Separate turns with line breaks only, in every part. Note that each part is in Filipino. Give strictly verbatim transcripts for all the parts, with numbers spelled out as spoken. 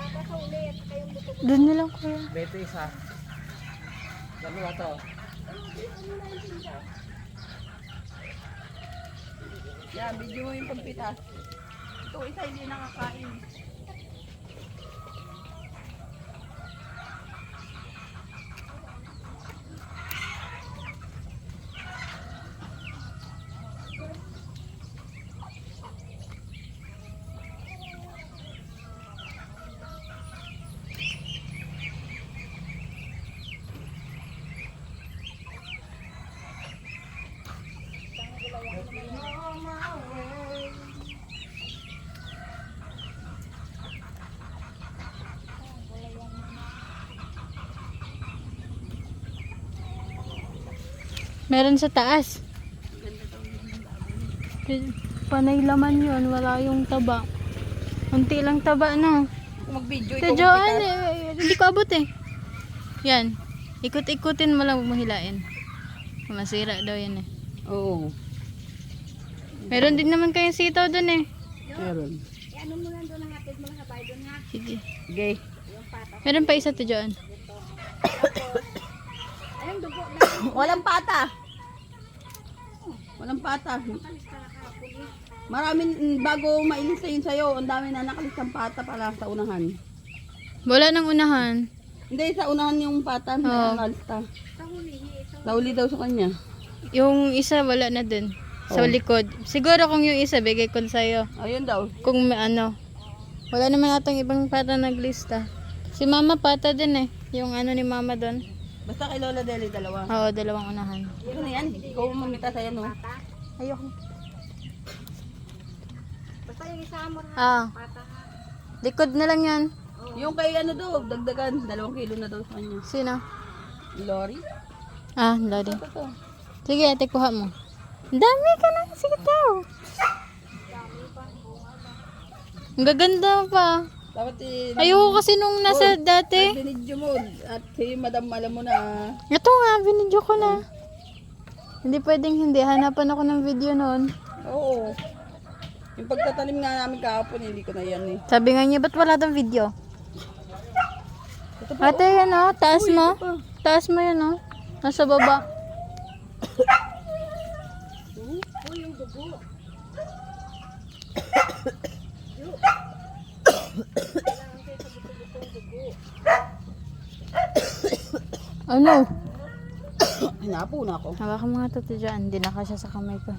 Doon na lang kuya.
Beto isa. Dalawa to.
Yan, video mo yung pagpitas. Ito, isa hindi nakakain.
Meron sa taas. Panay laman yun. Wala yung taba. Unti lang taba, no?
Mag-video
Sa
ito.
Joan, eh, hindi ko abot eh. Yan. Ikot-ikutin mo lang mahilain. Masira daw yan eh.
Oo.
Meron din naman kayong sitaw dun eh.
Meron.
Ano mo lang doon ang hatid mo lang sa bahay doon nga.
Sige.
Okay.
Meron pa isa to Joan.
Ayun, dugo na.
Walang pata. Walang pata. Maraming, mm, bago mailista yun sa'yo, ang dami na nakalistang pata pala sa unahan.
Wala nang unahan.
Hindi, sa unahan yung pata na
Oo.
nakalista.
Sa hulihi, ito.
Nauli daw sa kanya.
Yung isa wala na dun. Sa
Oh.
likod. Siguro kung yung isa, bigay ko sa'yo.
Ayun daw.
Kung may ano. Wala naman atang ibang pata naglista. Si mama pata din eh. Yung ano ni mama doon.
Basta kay Lola Deli, dalawa.
Oo, dalawang unahan.
Ito na yan, ikaw mamita sa'yo, no?
Ayoko.
Basta yung isa mo ha.
Ah,
Pata ha.
likod na lang yan.
Yung kay ano daw, dagdagan, dalawang kilo na daw sa kanya.
Sino?
Lori?
Ah, lodi.
Ito to.
Sige, ate, kuha mo. Ang dami ka na. Sige daw. Ang gaganda pa.
Dapat eh,
Ayoko kasi nung nasa dati.
binidyo mo. At si Madam, alam mo na.
Ito nga, binidyo ko na. Hindi pwedeng hindi. Hanapan ako ng video noon.
Oo. Yung pagtatanim nga namin kahapon, hindi ko na yan eh.
Sabi nga niya, ba't wala tong video?
Ito pa,
Ate, yan o. Taas
Uy,
mo.
ito pa.
Taas mo yan o. Nasa baba.
Oh, yung dugo.
Ano?
Hinapo na ako.
Hawakan mo nga ito dyan. Hindi na kasya sa kamay ko.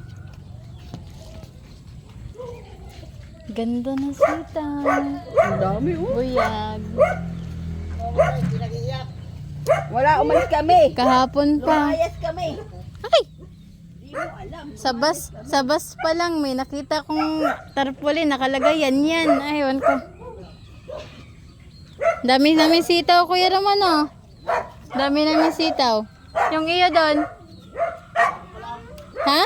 Ganda ng sita.
Ang dami oh.
Buyag.
Wala, umalis kami.
Kahapon pa.
Lumayas kami.
Ay!
Hindi mo alam.
Sa bus, sa bus pa lang may nakita kong tarpaulin. Nakalagay yan yan. Aywan ko. Dami namin sitaw, Kuya Roman oh. Dami namin sitaw. Yung iyo doon. Ha?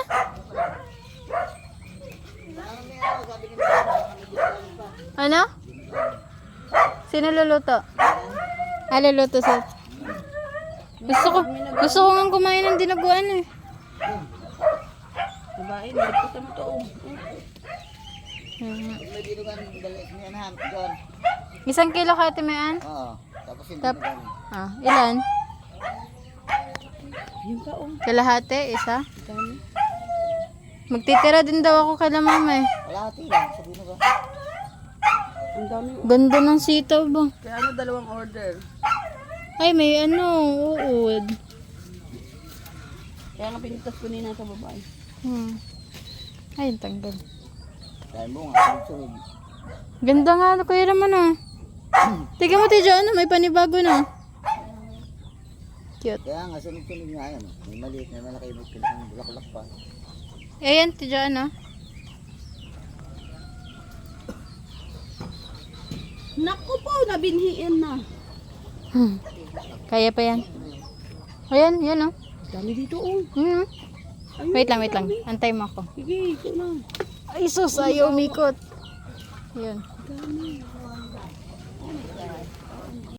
Ano? Sino luluto? Ah, luluto sa... Gusto ko, gusto ko nga kumain ng dinaguan eh.
Babae, nagpita mo to oh.
Hmm.
May dinugan niyan doon.
Isang kilo ka timaan?
Oo. Tapos yung
Tap.
dinugan.
Ah, ilan?
Yun ka oh.
Kalahati, isa.
Dami.
Magtitira din daw ako kay mama eh.
Wala ati lang. Sabi mo ba?
Ang dami oh.
Ganda ng sitaw ba?
Kaya ano, dalawang order.
Ay, may ano, uod.
Kaya nga pinitas ko nina sa babae.
Hmm. Ay, ang tanggal.
Kaya mo nga. Sunod.
Ganda nga, Kuya Raman ah. Tignan mo, Tijo, ano, may panibago na. Cute.
Kaya nga sunod-sunod nga yan. May maliit, may malaki, may pinakang bulaklak pa.
Ayan, Tijo, ano.
Naku po, nabinhiin na.
Hmm. Kaya pa yan. Ayan, yan oh.
Dami dito oh.
Hmm.
Ayun,
Wait lang, wait lang. Antay mo ako.
sige, ito na.
Ay, sus, ayaw umikot. Yun.
Dami.